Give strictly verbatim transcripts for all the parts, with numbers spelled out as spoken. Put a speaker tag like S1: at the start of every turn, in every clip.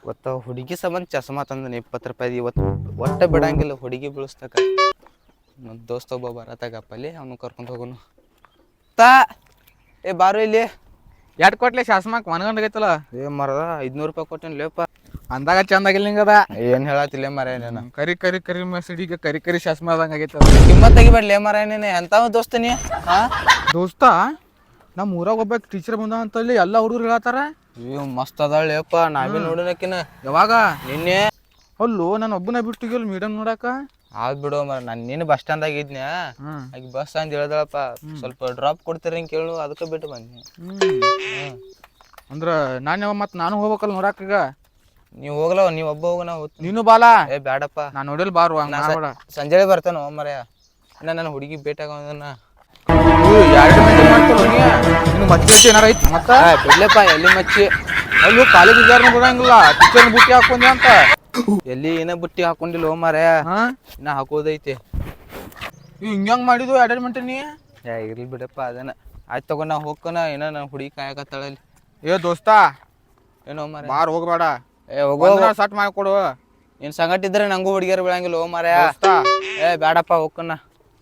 S1: ಇವತ್ತು ಹುಡುಗಿ ಸಂಬಂಧ ಚಸ್ಮಾ ತಂದನ ಇಪ್ಪತ್ತು ರೂಪಾಯಿ ಇವತ್ತು ಒಟ್ಟೆ ಬಿಡಂಗಿಲ್ಲ ಹುಡುಗಿ ಬೀಳಿಸ್ತಕ ನನ್ನ ದೋಸ್ತ ಒಬ್ಬ ಬರತ್ತಾಗಪ್ಪಲ್ಲಿ ಅವನು ಕರ್ಕೊಂಡು ಹೋಗೋನು ತಾ ಏ ಬಾರು ಇಲ್ಲಿ
S2: ಎಟ್ ಕೊಟ್ಲೆ ಶಾಸ್ಮಾಕ್ ಮನ್ಗಂಡಾಗೈತಲ್ಲ
S1: ಏ ಮರದ ಐದ್ನೂರು ರೂಪಾಯಿ ಕೊಟ್ಟೇನು ಲೇಪ
S2: ಅಂದಾಗ ಚಂದಾಗಿಲ್ಲ ನಿಂಗದ
S1: ಏನು ಹೇಳತ್ತಿಲ್ಲ ಮರೇನೇನ
S2: ಕರಿ ಕರಿ ಕರಿ ಮಸಡಿಗೆ ಕರಿ ಕರಿ ಶಾಸ್ಮಾ ಆದಂಗ ಆಗೈತ
S1: ಕಿಮ್ಮತ್ ತೆಗಿಬೇಡ್ಲೇ ಮರೇನೇನೆ ಎಂತಾವ ದೋಸ್ತ ನೀ ಹಾ
S2: ದೋಸ್ತ ನಮ್ಮ ಊರಾಗ ಒಬ್ಬ ಟೀಚರ್ ಬಂದ ಅಂತಲ್ಲಿ ಎಲ್ಲ ಹುಡುಗರು ಹೇಳತ್ತಾರ
S1: ಅಯ್ಯೋ ಮಸ್ತ್ ಅದಾಳ ಲೇಪ ನಾವೇ ನೋಡಿನಕಿನ
S2: ಯಾವಾಗ
S1: ನಿನ್ನೆ
S2: ಅಲ್ಲೋ ನಾನು ಒಬ್ಬನ ಬಿಟ್ಟಿಗಿಲ್ಲ ಮೇಡಮ್ ನೋಡಾಕ
S1: ಆದ್ ಬಿಡು ಮರ ನಾನು ನೀನು ಬಸ್ ಸ್ಟ್ಯಾಂಡ್ದಾಗ ಇದ್ನ್ಯಾ ಆಗ ಬಸ್ ಅಂತ ಹೇಳ್ದಳಪ್ಪ ಸ್ವಲ್ಪ ಡ್ರಾಪ್ ಕೊಡ್ತೀರಿ ಹಿಂಗೆ ಕೇಳು ಅದಕ್ಕೆ ಬಿಟ್ಟು ಬಂದ್ನಿ
S2: ಹ್ಮ್ ಅಂದ್ರ ನಾನು ಮತ್ತೆ ನಾನು ಹೋಗ್ಬೇಕಲ್ಲ ನೋಡಾಕ ಈಗ
S1: ನೀವು ಹೋಗ್ಲವ ನೀವು ಒಬ್ಬ ಹೋಗ ನಾವು
S2: ನೀನು ಬಾಲ
S1: ಏ ಬ್ಯಾಡಪ್ಪ
S2: ನಾನು ನೋಡಿಲ್ ಬಾರು
S1: ಸಂಜೆ ಬರ್ತಾನ ಮರ್ಯ ಇನ್ನ ನನ್ನ ಹುಡುಗಿ ಭೇಟಿಯಾಗೋದನ್ನ
S2: ಎರಡು ಗಂಟೆ ಮಾಡ್ತಾರ ನಿನ್ ಮಚ್ಚಿ ಏನಾರ ಐತಿ ಮತ್ತ
S1: ಬಿಡ್ಲಪ್ಪ ಎಲ್ಲಿ ಮಚ್ಚಿ
S2: ಅಲ್ಲೂ ಕಾಲೇಜ್ ವಿಚಾರನ ಬರಂಗಿಲ್ಲ ಟೀಚರ್ ಬುಟ್ಟಿ ಹಾಕೊಂಡಿ ಅಂತ
S1: ಎಲ್ಲಿ ಏನ ಬುಟ್ಟಿ ಹಾಕೊಂಡಿಲ್ಲ ಓ ಮಾರ್ಯ ಇನ್ನ ಹಾಕೋದೈತಿ
S2: ಹಿಂಗ್ಯಾಂಗ್ ಮಾಡಿದ್ವು ಎರಡು ಗಂಟೆ ನೀ
S1: ಏ ಇರ್ಲಿ ಬಿಡಪ್ಪ ಅದನ್ನ ಆಯ್ತು ತಗೊಂಡ್ ನಾ ಹೋಗ್ಕನ ಏನೋ ನನ್ನ ಹುಡುಗಿ ಕಾಯಕತ್ತಾಳಲ್ಲಿ
S2: ಏ ದೋಸ್ತ
S1: ಏನೋ ಮಾರ್ಯ
S2: ಬಾರ್ ಹೋಗ್ಬೇಡ
S1: ಏ ಹೋಗೋ
S2: ಸಟ್ ಮಾಡ್ಕೊಡು
S1: ನೀನ್ ಸಂಗಟ ಇದ್ರೆ ನಂಗೂ ಹುಡುಗಿಯರು ಬೀಳಂಗಿಲ್ಲ ಓ ಮಾರ್ಯ ಏ ಬ್ಯಾಡಪ್ಪ ಹೋಗ್ಕನ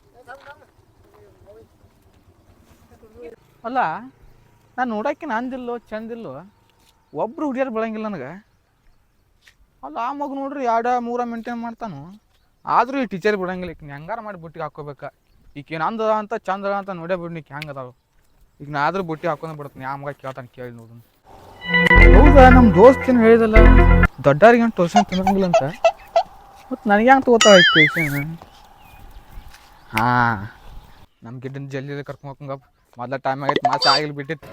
S2: ಅಲ್ಲ ನಾನು ನೋಡಕ್ಕೆ ನಂದಿಲ್ಲೋ ಚಂದಿಲ್ಲೋ ಒಬ್ರು ಹುಡುಗಿಯರು ಬೆಳಂಗಿಲ್ಲ ನನಗೆ ಅಲ್ಲ ಆ ಮಗ ನೋಡ್ರಿ ಎರಡು ಮೂರ ಮೇಂಟೈನ್ ಮಾಡ್ತಾನು ಆದ್ರೂ ಈ ಟೀಚರ್ ಬಿಡಂಗಿಲ್ಲ ಈಗ ಹೆಂಗಾರ ಮಾಡಿ ಬುಟ್ಟಿಗೆ ಹಾಕೋಬೇಕ ಈಗ ನಂದ ಅಂತ ಚಂದ ಅಂತ ನೋಡೇ ಬಿಡ್ನಿಕ್ ಹೆಂಗೆ ಅದಾವ ಈಗ ನಾ ಆದ್ರೂ ಬುಟ್ಟಿ ಹಾಕೊಂಡ್ ಬಿಡ್ತೀನಿ ಆ ಮಗ ಕೇಳ್ತಾನೆ ಕೇಳಿ ನೋಡು ಹೌದಾ ನಮ್ಮ ದೋಸ್ತೇನು ಹೇಳಿದಲ್ಲ ದೊಡ್ಡವ್ರಿಗೆ ಏನು ಟ್ಯೂಷನ್ ತಿನ್ನಂಗಿಲ್ಲ ಅಂತ ಮತ್ತು ನನಗೆ ಹೆಂಗೆ ತಗೋತಾ ಐತಿ ಟ್ಯೂಷನ್ ಹಾಂ ನಮ್ಮ ಗಿಡ್ಡನ ಜಲ್ದಿ ಕರ್ಕೊಂಡು ಹೋಗಂಗಪ್ಪ ಮೊದಲ ಟೈಮ್ ಆಗೈತೆ ಮಾಸ ಆಗಿಲ್ ಬಿಟ್ಟಿತ್ತು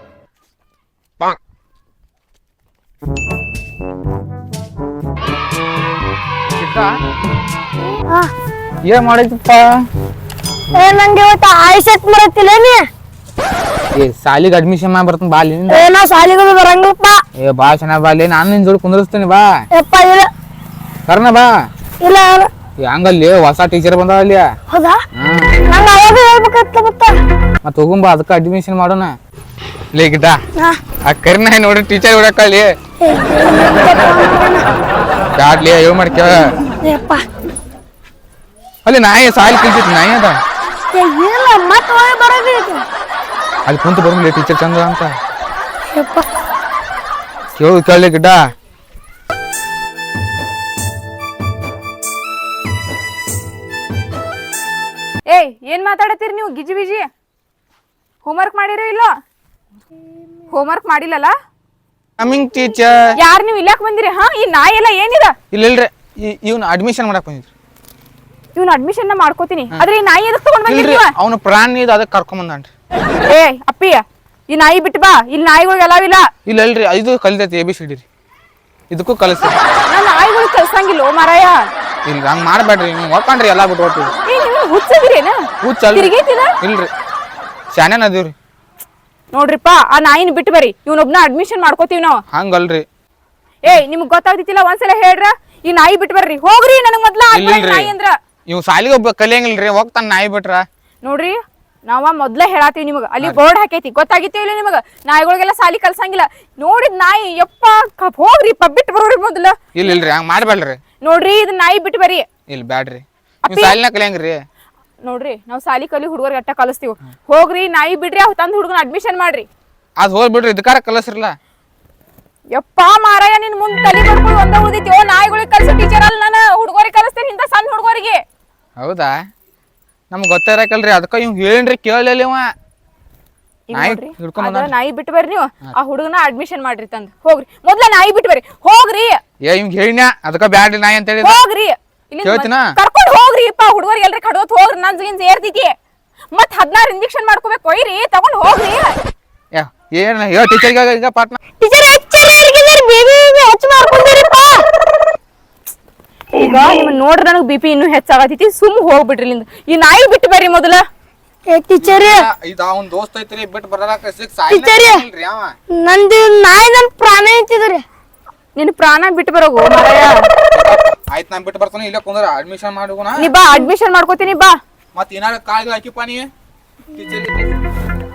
S2: ಏನ್ ಮಾಡೈತಪ್ಪ
S3: ನಂಗೆ ಇವತ್ತು ಆಯ್ಸೆಟ್ ಬರತ್ತಿಲ್ಲ ನೀ
S2: ಏ ಸಾಲಿಗೆ ಅಡ್ಮಿಷನ್ ಮಾಡಿ ಬರ್ತಾನೆ ಬಾ ಅಲ್ಲಿ
S3: ಏನೋ ಸಾಲಿಗಳು ಬರಂಗಿಲ್ಲಪ್ಪ
S2: ಏ ಬಾ ಚೆನ್ನಾಗಿ ಬಾ ಅಲ್ಲಿ ನಾನು ನಿನ್ ಜೋಡಿ ಕುಂದಿರ್ಸ್ತೀನಿ ಬಾ
S3: ಯಪ್ಪ ಇಲ್ಲ
S2: ಕರ್ನ ಬಾ
S3: ಇಲ್ಲ
S2: ಹಂಗಲ್ಲಿ ಹೊಸ ಟೀಚರ್ ಬಂದಾವ ಅಲ್ಲಿ
S3: ಹೌದಾ ನಂಗೆ ಅವಾಗ ಹೇಳ್ಬೇಕತ್ತ ಮತ್ತ
S2: ಮತ್ತೆ ಹೋಗುಂಬ ಅದಕ್ಕೆ ಅಡ್ಮಿಷನ್ ಮಾಡೋಣ ಲೇ ಗಿಡ್ಡ ಆ ಕರಿನ ನೋಡಿ ಟೀಚರ್ ಬಿಡಕ್ಕಲ್ಲಿ ಬ್ಯಾಡ್ಲಿ ಏನ್ ಮಾಡ್ಕೇಳ
S3: ಯಪ್ಪ
S2: ಅಲ್ಲಿ ನಾಯಿ ಸಾಲಿ ಕಲ್ತಿತ್ತು ನಾಯಿ ಅದ
S3: ಇಲ್ಲ ಮತ್ತೆ ಹೋಗಿ ಬರೋದೈತಿ
S2: ಅಲ್ಲಿ ಕುಂತು ಬರ್ಲಿ ಟೀಚರ್ ಚಂದ ಅಂತ
S3: ಯಪ್ಪ
S2: ಕೇಳು ಕೇಳಲಿ ಗಿಡ್ಡ
S4: ಏಯ್ ಏನ್ ಮಾತಾಡತ್ತೀರಿ ನೀವು ಗಿಜಿ ಬಿಜಿ ಹೋಮ್ವರ್ಕ್ ಮಾಡಿರೋ ಇಲ್ಲೋ ಹೋಮ್ವರ್ಕ್ ಮಾಡಿಲ್ಲಲ್ಲ
S2: ಕಮಿಂಗ್ ಟೀಚರ್
S4: ಯಾರು ನೀವು ಇಲ್ಲಾಕ್ ಬಂದಿರಿ ಹಾ ಈ ನಾಯಿ ಎಲ್ಲ ಏನಿದ
S2: ಇಲ್ಲ ಇಲ್ರಿ ಇವ್ನ ಅಡ್ಮಿಷನ್ ಮಾಡಕ್ ಬಂದಿದ್ರಿ
S4: ಇವ್ನ ಅಡ್ಮಿಷನ್ ಮಾಡ್ಕೋತೀನಿ ಆದ್ರೆ ಈ ನಾಯಿ ಎದಕ್ ತಗೊಂಡ್ ಬಂದಿರಿ
S2: ಇಲ್ರಿ ಅವನ ಪ್ರಾಣಿ ಇದು ಅದಕ್ಕೆ ಕರ್ಕೊಂಡ್ ಬಂದಾನ್ರಿ
S4: ಏ ಅಪ್ಪಿ ಈ ನಾಯಿ ಬಿಟ್ಟು ಬಾ ಇಲ್ಲಿ ನಾಯಿಗಳು ಎಲ್ಲಾವಿಲ್ಲ
S2: ಇಲ್ಲ ಇಲ್ರಿ ಇದು ಕಲಿತೈತಿ ಎ ಬಿ ಸಿ ಡಿ ರೀ ಇದಕ್ಕೂ ಕಲಿಸ್ತೀವಿ
S4: ನಾ ನಾಯಿಗಳು ಕಲ್ಸಂಗಿಲ್ಲ ಓ ಮಾರಾಯ
S2: ಇಲ್ರಿ ಹಂಗ್ ಮಾಡ್ಬೇಡ್ರಿ ನೀವು ಒಪ್ಕೊಂಡ್ರಿ ಎಲ್ಲಾ ಬಿಟ್ಟು ಹೋಗ್ತೀವಿ
S4: ಏ ನೀವು ಹುಚ್ಚದಿರೇನ
S2: ಹುಚ್ಚಲ್
S4: ತಿರುಗೈತಿಲ್ಲ
S2: ಇಲ್ರಿ ಶಾನ್ಯಾನ ಅದೀವ್ರಿ
S4: ನೋಡ್ರಿಪ್ಪ ಆ ನಾಯಿನ ಬಿಟ್ಟು ಬರ್ರಿ ಇವ್ನೊಬ್ನ ಅಡ್ಮಿಷನ್ ಮಾಡ್ಕೋತೀವಿ ನಾವು
S2: ಹಂಗಲ್ರಿ
S4: ಏಯ್ ನಿಮ್ಗ್ ಗೊತ್ತಾಗ್ತಿತ್ತಿಲ್ಲ ಒಂದ್ಸಲ ಹೇಳ್ರ ಈ ನಾಯಿ ಬಿಟ್ಟು ಬರ್ರಿ ಹೋಗ್ರಿ ನನಗ್ ಮೊದ್ಲ ನಾಯಿ ಅಂದ್ರ
S2: ಇವ್ ಸಾಲಿಗೆ ಒಬ್ಬ ಕಲಿಯಂಗಿಲ್ರಿ ಹೋಗ್ತಾನ ನಾಯಿ ಬಿಟ್ರ
S4: ನೋಡ್ರಿ ನಾವ ಮೊದ್ಲ ಹೇಳಾತೀವಿ ನಿಮಗ ಅಲ್ಲಿ ಬೋರ್ಡ್ ಹಾಕೈತಿ ಗೊತ್ತಾಗಿತ್ತೇ ಇಲ್ಲ ನಿಮಗ ನಾಯಿಗಳಿಗೆಲ್ಲ ಸಾಲಿ ಕಲ್ಸಂಗಿಲ್ಲ ನೋಡಿದ್ ನಾಯಿ ಯಪ್ಪ ಹೋಗ್ರಿ ಬಿಟ್ಟು ಬರೋರಿ ಮೊದ್ಲ
S2: ಇಲ್ಲ ಇಲ್ರಿ ಹಂಗ ಮಾಡ್ಬೇಡ್ರಿ
S4: ನೋಡ್ರಿ ಇದ್ ನಾಯಿ ಬಿಟ್ಟು ಬರ್ರಿ
S2: ಇಲ್ಲ ಬ್ಯಾಡ್ರಿ ನೀವ್ ಸಾಲಿನ ಕಲಿಯಂಗ್ರಿ
S4: ನೋಡ್ರಿ ನಾವ್ ಸಾಲಿ ಕಲಿ ಹುಡುಗರಿಗೆ ಅಟ್ಟ ಕಲಿಸ್ತೀವಿ ಹೋಗ್ರಿ ನಾಯಿ ಬಿಡ್ರಿ ಅವ್ ತಂದ್ ಹುಡುಗನ ಅಡ್ಮಿಷನ್ ಮಾಡ್ರಿ
S2: ಅದ್ ಹೋಗ್ ಬಿಡ್ರಿ ಇದಕ್ಕಾರ ಕಲಸ್ರಲ್ಲ
S4: ಯಪ್ಪ ಮಾರಾಯ ನಿನ್ ಮುಂದ್ ತಲೆ ಬರ್ಕೊಂಡು ಒಂದ ಉಳಿದೈತಿ ಓ ನಾಯಿಗಳಿಗೆ ಕಲ್ಸೋ ಟೀಚರ್ ಅಲ್ಲ ನಾನು ಹುಡುಗರಿಗೆ ಕಲಿಸ್ತೇನೆ ಇಂತ ಸಣ್ಣ ಹುಡುಗರಿಗೆ
S2: ಹೌದಾ ನಮ್ಗೆ ಗೊತ್ತಿರಕಲ್ರಿ ಅದಕ್ಕ ಇವ್ ಹೇಳಿನ್ರಿ ಕೇಳಲಿಲ್ಲ ಇವ ನಾಯಿ ಹಿಡ್ಕೊಂಡ್
S4: ನಾಯಿ ಬಿಟ್ಟು ಬರ್ರಿ ನೀವು ಆ ಹುಡುಗನ ಅಡ್ಮಿಷನ್ ಮಾಡ್ರಿ ತಂದ್ ಹೋಗ್ರಿ ಮೊದ್ಲ ನಾಯಿ ಬಿಟ್ಟು ಬರ್ರಿ ಹೋಗ್ರಿ
S2: ಏ ಇವ್ ಹೇಳಿನ ಅದಕ್ಕ ಬ್ಯಾಡ್ರಿ ನಾಯಿ ಅಂತ ಹೇಳಿ
S4: ಹೋಗ್ರಿ ಕರ್ಕೊಂಡ್ ಹೋಗ್ರಿ ಅಪ್ಪ ಹುಡುಗರಿಗೆ ಎಲ್ರಿ ಕಡೋತ್ ಹೋಗ್ರಿ ನನ್ ಜಿಗಿನ್ ಸೇರ್ತೈತಿ ಮತ್ ಹದಿನಾರು ಇಂಜೆಕ್ಷನ್ ಮಾಡ್ಕೋಬೇಕು ಒಯ್ರಿ ತಗೊಂಡ್ ಹೋಗ್ರಿ
S2: ಏನ್ ಹೇಳ ಟೀಚರ್ಗೆ ಈಗ ಪಾಟ್ನ
S3: ಟೀಚರ್ ಬೇಬಿ ಹೆಚ್ಚು ಮಾಡ್ಕೊಂಡಿರಿಪ್ಪ
S4: ಈಗ ನಿಮ್ ನೋಡ್ರಿ ನನಗ್ ಬಿ ಪಿ ಇನ್ನೂ ಹೆಚ್ಚಾಗತೈತಿ ಸುಮ್ ಹೋಗ್ಬಿಡ್ರಿ ಇಲ್ಲಿಂದ ಈ ನಾಯಿ ಬಿಟ್ಟು ಬರ್ರಿ ಮೊದಲ
S3: ಟೀಚರ್
S2: ಇದು ಅವನ್ ದೋಸ್ತ ಐತ್ರಿ ಬಿಟ್ಟು ಬರಲಾಕ
S3: ಟೀಚರ್ ನಂದು ನಾಯಿ ನನ್ ಪ್ರಾಣ ಐತಿದ್ರಿ
S4: ನಿನ್ ಪ್ರಾಣ ಬಿಟ್ಟು ಬರೋಗು ಮಾರಾಯ
S2: ಆಯ್ತು ನಾನ್ ಬಿಟ್ಟು ಬರ್ತಾನೆ ಇಲ್ಲ ಕುಂದ್ರ ಅಡ್ಮಿಷನ್ ಮಾಡೋಣ
S4: ನೀ ಬಾ ಅಡ್ಮಿಷನ್ ಮಾಡ್ಕೋತೀನಿ ಬಾ
S2: ಮತ್ ಏನಾರ ಕಾಲ್ಗೆ ಹಾಕಿಪ್ಪ ನೀ ಟೀಚರ್